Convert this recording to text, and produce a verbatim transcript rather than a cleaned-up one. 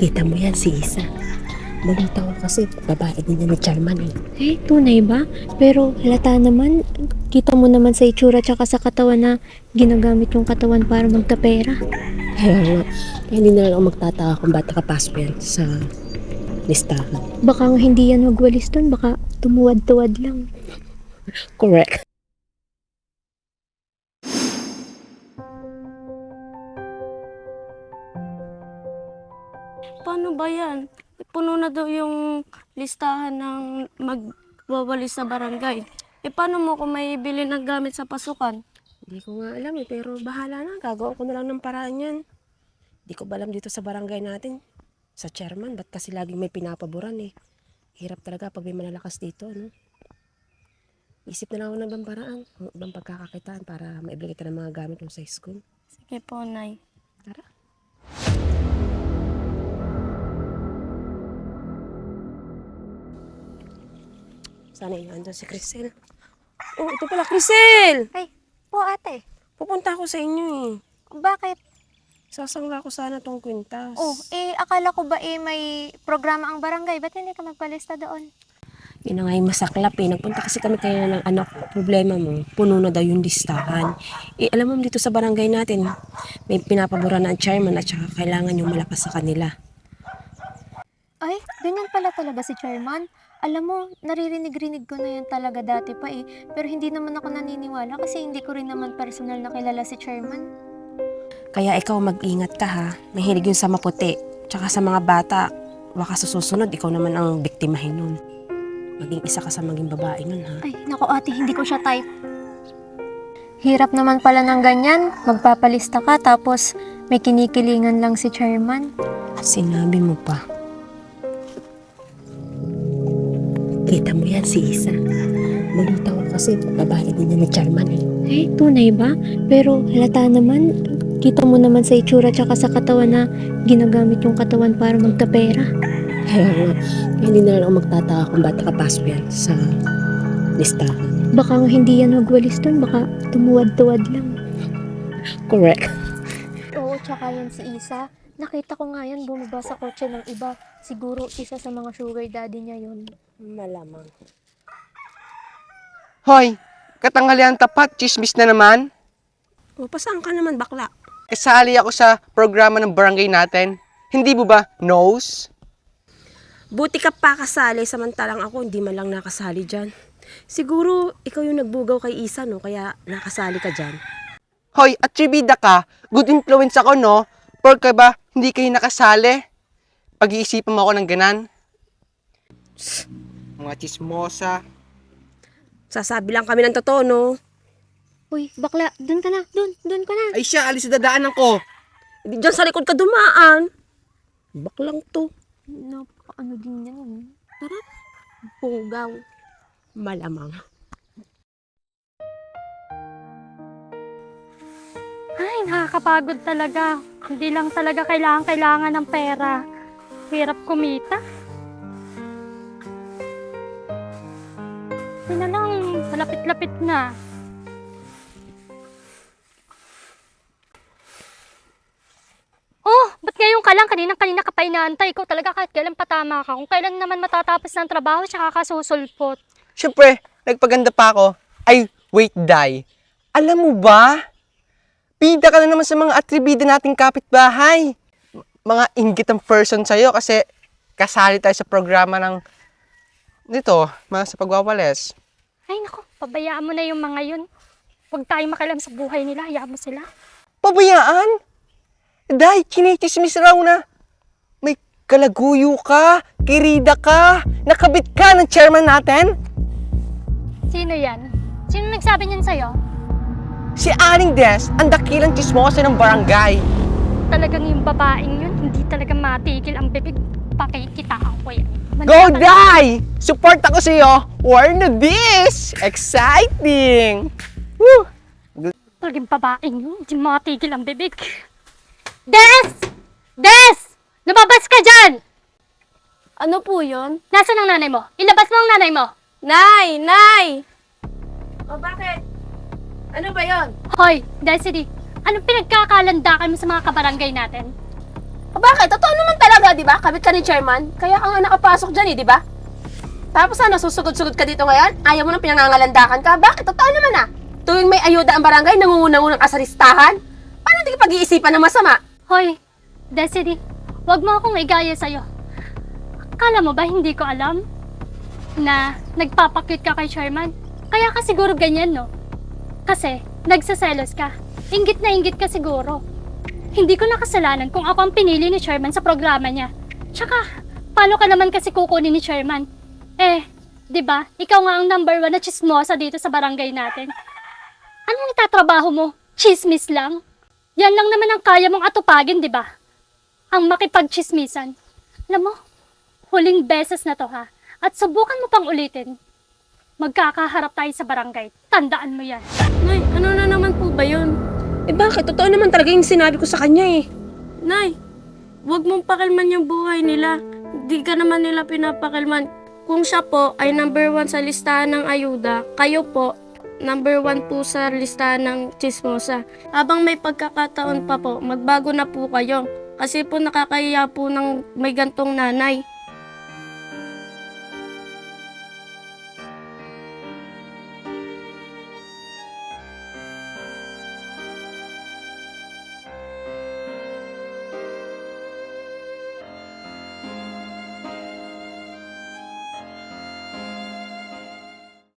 Kita mo yan si Isa. Balita ko kasi babae din yan ni Charman eh. Eh, tunay ba? Pero halata naman, kita mo naman sa itsura tsaka sa katawan na ginagamit yung katawan para magkapera. Kaya nga, kaya hindi na lang ako magtataka kung ba't nakapasok yan sa listahan. Baka nga hindi yan magwalis dun, baka tumuwad-tuwad lang. Correct. Paano ba yan? Puno na daw yung listahan ng magwawalis sa barangay. Eh paano mo kung may bili ng gamit sa pasukan? Hindi ko nga alam eh, pero bahala na. Gagawa ko na lang ng paraan yan. Hindi ko ba alam dito sa barangay natin. Sa chairman, ba't kasi laging may pinapaboran eh. Hirap talaga pag may malalakas dito, no? Isip na lang ako ng ibang paraan. Ng ibang pagkakakitaan para maibili kita ng mga gamit mo sa school. Sige po, Nay. Tara. Sana yun, andun si Crisel. Oh, ito pala, Crisel! Ay, po ate. Pupunta ako sa inyo eh. Bakit? Sasangla ko sana tong kwintas. Oh, eh, akala ko ba eh may programa ang barangay? Ba't hindi ka magpalista doon? Yun na nga yung masaklap eh. Nagpunta kasi kami kaya ng anak ko. Problema mo, puno na daw yung listahan. Eh, alam mo dito sa barangay natin, may pinapabura na ang chairman at saka kailangan yung malakas sa kanila. Ay, ganyan pala talaga si chairman. Alam mo, naririnig-rinig ko na yan talaga dati pa eh. Pero hindi naman ako naniniwala kasi hindi ko rin naman personal na kilala si chairman. Kaya ikaw mag-ingat ka ha. Mahilig yun sa maputi. Tsaka sa mga bata, baka sa susunod, ikaw naman ang biktimahin nun. Maging isa ka sa maging babae nun ha. Ay, naku ate, hindi ko siya type. Hirap naman pala ng ganyan. Magpapalista ka tapos may kinikilingan lang si chairman. Sinabi mo pa. Kita mo yan si Isa. Balita ko kasi babae din yan ni Charman eh. Eh, tunay ba? Pero halata naman, kita mo naman sa itsura tsaka sa katawan na ginagamit yung katawan para magkapera. Kaya nga, kaya hindi na lang ako magtataka kung ba't nakapasok yan sa listahan. Baka nga hindi yan magwalis dun, baka tumuwad-tuwad lang. Correct. Oo, tsaka yan si Isa. Nakita ko nga yan bumaba sa kotse ng iba. Siguro isa sa mga sugar daddy niya yun. Malamang. Hoy, katanghalian tapat, chismis na naman. O, pasaan ka naman bakla? Kasali ako sa programa ng barangay natin. Hindi mo ba knows? Buti ka pa kasali, samantalang ako hindi man lang nakasali dyan. Siguro, ikaw yung nagbugaw kay Isa, no? Kaya nakasali ka dyan. Hoy, atribida ka. Good influence ako, no? Porka ba, hindi kayo nakasali? Pag-iisipan mo ako ng ganan. Mga chismosa. Sasabi lang kami ng totoo, no? Uy, bakla, dun ka na, dun, dun ka na. Ay siya, alis sa dadaanan ko. Hindi dyan sa likod ka dumaan. Baklang to. Napaka ano din yan. Tara. Bugaw. Malamang. Ay, nakakapagod talaga. Hindi lang talaga kailangan-kailangan ng pera. Hirap kumita. Hindi na lang, malapit-lapit na. Oh, ba't ngayon ka lang? Kanina-kanina ka pa inaantay. Ikaw talaga kahit kailan patama ka. Kung kailan naman matatapos ng trabaho, tsaka ka susulpot. Siyempre, nagpaganda pa ako. Ay, wait, die. Alam mo ba? Bida ka na naman sa mga atribida nating kapitbahay. M- Mga inggitang person sa'yo kasi kasali tayo sa programa ng dito, mga sa pagwawalis. Ay, naku, pabayaan mo na yung mga yun. Huwag tayong makialam sa buhay nila. Hayaan mo sila. Pabayaan? Dahil chinichismis raw na may kalaguyo ka, kirida ka, nakabit ka ng chairman natin. Sino yan? Sino nagsabi niyan sa'yo? Si Aling Des, ang dakilang chismosa ng barangay. Talagang yung babaeng yun, hindi talaga matigil ang bibig. Pakikitaan ko yan. Go, die! Support ako sa'yo. War na this! Exciting! Woo! Talagang babaeng yun, hindi matigil ang bibig. Des! Des! Lumabas ka dyan! Ano po yun? Nasaan ang nanay mo? Ilabas mo ang nanay mo! Nay! Nay! O bakit? Ano ba yon? Hoy, Desiree, anong pinagkakalandakan mo sa mga kabarangay natin? O bakit? Totoo naman talaga, di ba? Kabit ka ni chairman. Kaya ka nga nakapasok dyan eh, di ba? Tapos ano, susugod-sugod ka dito ngayon? Ayaw mo nang pinangangalandakan ka? Bakit? Totoo naman ah. Tuwing may ayuda ang barangay, nangungunang-unang ka sa listahan. Paano hindi ka pag-iisipan ng masama? Hoy, Desiree, wag mo akong igaya sa'yo. Akala mo ba hindi ko alam na nagpapakit ka kay chairman? Kaya ka siguro ganyan, no? Kasi nagsaselos ka. Inggit na inggit ka siguro. Hindi ko nakasalanan kung ako ang pinili ni chairman sa programa niya. Tsaka, paano ka naman kasi kukunin ni chairman? Eh, di ba? Ikaw nga ang number one na chismosa dito sa barangay natin. Anong itatrabaho mo? Chismis lang? Yan lang naman ang kaya mong atupagin, di ba? Ang makipagchismisan. Alam mo, huling beses na to ha. At subukan mo pang ulitin. Magkakaharap tayo sa barangay. Tandaan mo yan. Nay, ano na naman po ba yun? Eh bakit? Totoo naman talaga yung sinabi ko sa kanya eh. Nay, huwag mong pakilman yung buhay nila. Di ka naman nila pinapakilman. Kung siya po ay number one sa listahan ng ayuda, kayo po, number one po sa listahan ng chismosa. Habang may pagkakataon pa po, magbago na po kayo. Kasi po nakakahiya po ng may gantong nanay.